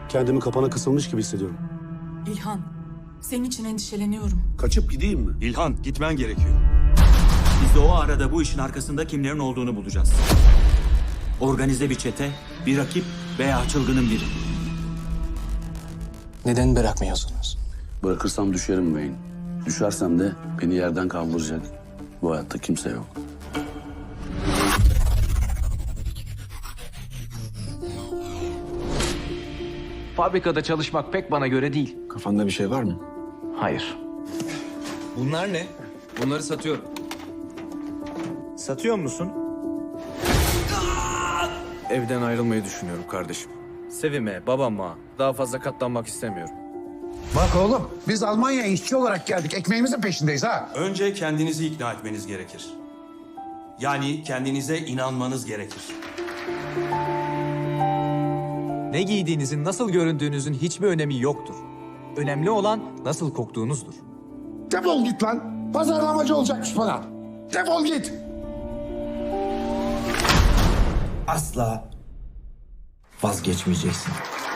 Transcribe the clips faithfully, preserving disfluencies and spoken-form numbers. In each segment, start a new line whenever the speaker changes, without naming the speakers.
Kendimi kapana kısılmış gibi hissediyorum.
İlhan, senin için endişeleniyorum.
Kaçıp gideyim mi?
İlhan, gitmen gerekiyor.
Biz de o arada bu işin arkasında kimlerin olduğunu bulacağız. Organize bir çete, bir rakip veya çılgının biri.
Neden bırakmıyorsunuz?
Bırakırsam düşerim Wayne. Düşersem de beni yerden kaldıracak bu hayatta kimse yok.
Fabrikada çalışmak pek bana göre değil.
Kafanda bir şey var mı?
Hayır.
Bunlar ne?
Bunları satıyorum.
Satıyor musun?
Evden ayrılmayı düşünüyorum kardeşim.
Sevime, babama daha fazla katlanmak istemiyorum.
Bak oğlum, biz Almanya'ya işçi olarak geldik. Ekmeğimizin peşindeyiz ha.
Önce kendinizi ikna etmeniz gerekir. Yani kendinize inanmanız gerekir.
Ne giydiğinizin, nasıl göründüğünüzün hiçbir önemi yoktur. Önemli olan nasıl koktuğunuzdur.
Defol git lan. Pazarlamacı olacakmış bana. Defol git.
Asla vazgeçmeyeceksin.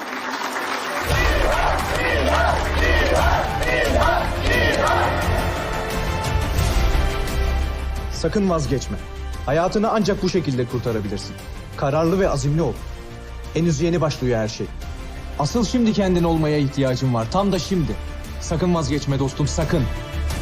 Sakın vazgeçme. Hayatını ancak bu şekilde kurtarabilirsin. Kararlı ve azimli ol. Henüz yeni başlıyor her şey. Asıl şimdi kendin olmaya ihtiyacın var. Tam da şimdi. Sakın vazgeçme dostum, sakın.